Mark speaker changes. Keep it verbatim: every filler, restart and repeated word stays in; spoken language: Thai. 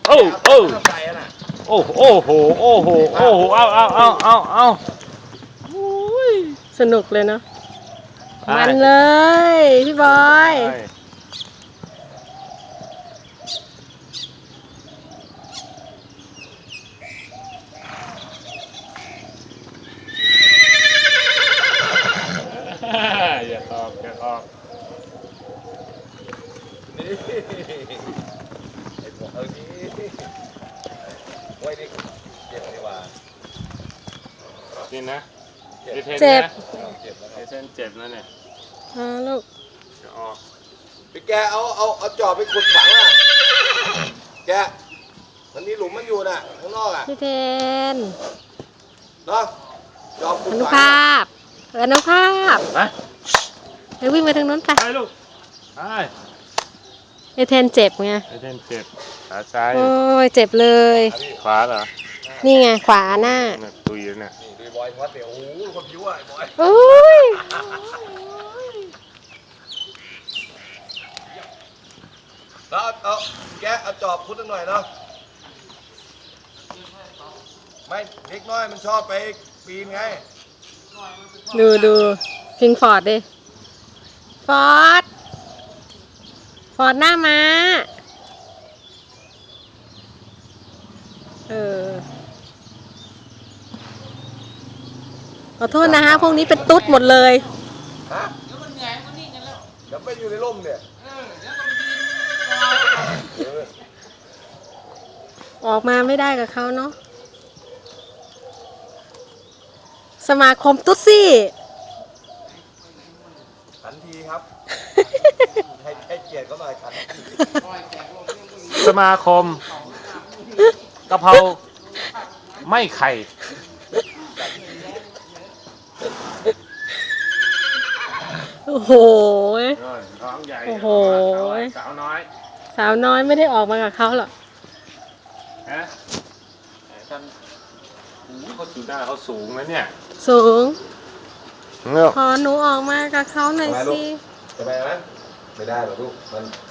Speaker 1: โอ้โอ้โอ้โอ้โหโอ้โหโอ้โหเอาเอาเอาเอาเอา
Speaker 2: สนุกเลยเนาะมันเลยพี่บอย
Speaker 1: อย่าตอบอย่าตอบ
Speaker 3: นี่ไอ้บอกเอานี้ไว้นี่เจ็บดีกว่า
Speaker 1: นี่นะ
Speaker 2: เจ็บ
Speaker 1: เจ็บ
Speaker 3: เจ็บแล้วค
Speaker 1: ไอ
Speaker 3: รับ
Speaker 1: เส้นเจ็บแล้วเนี่ย
Speaker 2: อ่าลูก
Speaker 1: จะออก
Speaker 3: พี่แกเอาเอาเอาจอบไปขุดฝังอ่ะแกมันมีหลุมมันอยู่น่ะข้างนอกอ่ะ
Speaker 2: พี่เทน
Speaker 3: เนาะจอบขุด
Speaker 2: อนุ
Speaker 3: ฝัง
Speaker 2: ภาพอนุภาพ
Speaker 1: ไป
Speaker 2: ไปวิ่งไปทางนู้นไป
Speaker 1: ไปลูกไป
Speaker 2: ไอเทนเจ็บไง
Speaker 1: ไอเส้นเจ็บขาซ้าย
Speaker 2: โอ้ยเจ็บเลย
Speaker 1: ขวาเหรอ
Speaker 2: นี่ไงขวาหน้า
Speaker 1: เนี่ยตุยแล้วเนี่ย
Speaker 3: นี่ดูบอยวัดเดี๋ยวโอ้โหคนผิวอ่ะบอย
Speaker 2: โอ้ย
Speaker 3: แล้วเอาแกเอาจอบขุดหน่อยเนาะไม่เด็กน้อยมันชอบไปปีนไง
Speaker 2: ดูดูพิงฟอร์ดดิฟอร์ดฟอร์ดหน้าม้าเออขอโทษนะฮะพวกนี้เป็นตุ๊ดหมดเลย
Speaker 3: ฮะเดี๋ยวมันเหนื่อยมันนิ่งกันแล้วเดี๋ยวไปอยู่ในร่มเนี่ยเออเดี๋ยวมันยืน
Speaker 2: ออกมาไม่ได้กับเขาเนาะสมาคมตุ๊ดซี่
Speaker 3: ขันทีครับให้ให้เกียรติเขาหน่อยขันที
Speaker 1: สมาคมกะเพราไม่ไข่
Speaker 2: โอ้โห
Speaker 1: ท้องใหญ่
Speaker 2: โอ้โห
Speaker 1: สาวน้อย
Speaker 2: สาวน้อยไม่ได้ออกมากับเขาหรอก
Speaker 1: ฮะท่านเขาสูงหน้าเขาสูงนะเนี่ย
Speaker 2: สูง
Speaker 1: เงือก
Speaker 2: ขอหนูออกมากับเขาหน่อยสิ
Speaker 3: ทำไมนะไม่ได้หรอกลูกมัน